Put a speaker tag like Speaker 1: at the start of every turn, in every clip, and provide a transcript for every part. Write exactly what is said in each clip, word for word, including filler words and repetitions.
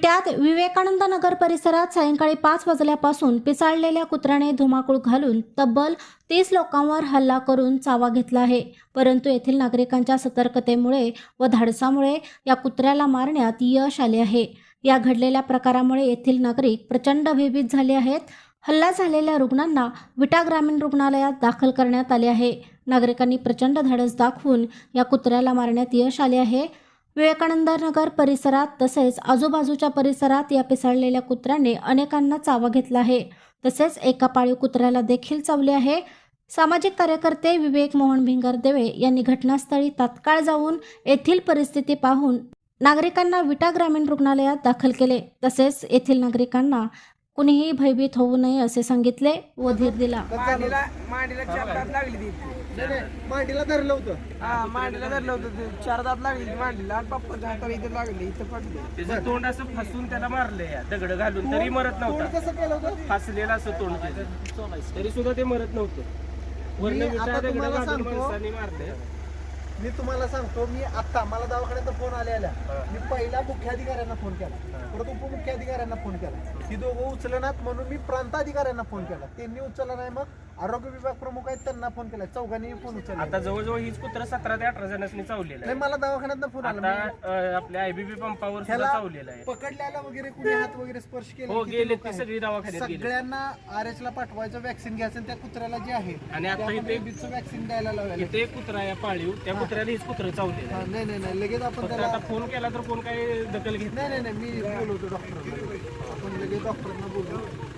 Speaker 1: विट्यात विवेकानंद नगर परिसरात सायंकाळी पाच वाजल्यापासून पिसाळलेल्या कुत्र्याने धुमाकूळ घालून तब्बल तीस लोकांवर हल्ला करून चावा घेतला आहे. परंतु येथील नागरिकांच्या सतर्कतेमुळे व धाडसामुळे या कुत्र्याला मारण्यात यश आले आहे. या घडलेल्या प्रकारामुळे येथील नागरिक प्रचंड भयभीत झाले आहेत. हल्ला झालेल्या रुग्णांना विटा ग्रामीण रुग्णालयात दाखल करण्यात आले आहे. नागरिकांनी प्रचंड धाडस दाखवून या कुत्र्याला मारण्यात यश आले आहे. विवेकानंद नगर परिसरात तसेच आजूबाजूच्या परिसरात या पिसाळलेल्या कुत्र्याने अनेकांना चावा घेतला आहे. तसेच एका पाळीव कुत्र्याला देखील चावले आहे. सामाजिक कार्यकर्ते विवेक मोहन भिंगरदेवे यांनी घटनास्थळी तात्काळ जाऊन येथील परिस्थिती पाहून नागरिकांना विटा ग्रामीण रुग्णालयात दाखल केले. तसेच येथील नागरिकांना कुणीही भयभीत होऊ नये असे सांगितले व धीर दिला.
Speaker 2: मांडीला मांडीला चार दात लागली ती.
Speaker 3: मांडीला धरलं होतं.
Speaker 2: हा मांडीला धरलं होतं ते. चार दात लागली ती मांडीला आणि पप्पाच्या हाताला इथे लागली, इथं पडली.
Speaker 4: त्याचं तोंड असं फसून त्याला मारलंय दगड घालून, तरी मरत
Speaker 3: तोंड
Speaker 4: नव्हता.
Speaker 3: कसं केलं होतं?
Speaker 4: फासलेलं असं तोंड त्याचं, तरी सुद्धा ते मरत नव्हतं. वरनं
Speaker 3: मी
Speaker 4: विटा
Speaker 3: आता
Speaker 4: दगड
Speaker 3: तुम्हाला
Speaker 4: घालून
Speaker 3: सांगतो.
Speaker 4: माणसाने मारलंय.
Speaker 3: मी तुम्हाला सांगतो, मी आता मला दवाखान्यात फोन आले आल्या मी पहिला मुख्याधिकाऱ्यांना फोन केला, परत उपमुख्याधिकाऱ्यांना फोन केला. ती दोघं उचलनात म्हणून मी प्रांताधिकाऱ्यांना फोन केला, त्यांनी उचलला नाही. मग आरोग्य विभाग प्रमुख आहेत त्यांना फोन केला, चौघांनी फोन उचलला.
Speaker 4: आता जवळजवळ हीच कुत्र सतरा ते अठरा जणांनी चावलेलं
Speaker 3: नाही,
Speaker 4: आहे.
Speaker 3: मला दवाखान्यात फोन आला.
Speaker 4: आता अं, आपल्या आयबीबी पंपावर सुद्धा
Speaker 3: ह्याला
Speaker 4: चावलेलं आहे.
Speaker 3: पकडल्याला वगैरे कुणी हात वगैरे स्पर्श केले
Speaker 4: हो
Speaker 3: किती
Speaker 4: गेले
Speaker 3: लोक
Speaker 4: ते
Speaker 3: आहेत?
Speaker 4: सगळी दवाखान्यात गेले.
Speaker 3: सगळ्यांना आर एच ला पाठवायचं, वॅक्सिन घ्यायचं आणि त्या कुत्र्याला जे आहे
Speaker 4: आणि आता इथे
Speaker 3: वॅक्सिन द्यायला लावायला.
Speaker 4: इथे एक कुत्रा आहे पाळीव, त्या कुत्र्याला हीच कुत्र चावलेलं
Speaker 3: हा,
Speaker 4: आहे.
Speaker 3: नाही नाही नाही लगेच आपण
Speaker 4: फक्त
Speaker 3: त्याला
Speaker 4: आता फोन केला तर कोण काही दखल घेत
Speaker 3: नाही नाही नाही मी बोलवतो डॉक्टरांना. आपण लगेच डॉक्टरांना बोलू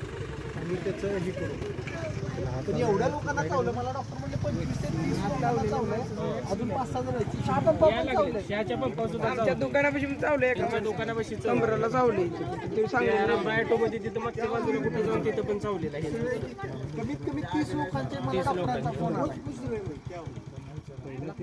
Speaker 3: आणि त्याचं हे करू. पण एवढ्या लोकांना चावलं, मला डॉक्टर म्हणजे पंचवीस ते तीस लोकांना चावलंय. अजून पाच सहा जण आहेत. चहा पंपावर पण चावलंय.
Speaker 4: शहाच्या पंपावर सुद्धा
Speaker 2: आमच्या
Speaker 4: चावलंय.
Speaker 2: दुकानापाशी चावलं एका
Speaker 4: त्यांच्या दुकानापाशी
Speaker 2: कमरेला चावली. ते सांगितलं
Speaker 4: बायटो मध्ये तिथं मागच्या बाजूला कुठे जाऊन तिथं पण चावलेलं आहे.
Speaker 3: कमीत कमी तीस लोकांचे मला
Speaker 4: तीस
Speaker 3: डॉक्टरांचा
Speaker 4: लोकांचे.
Speaker 3: फोन आला.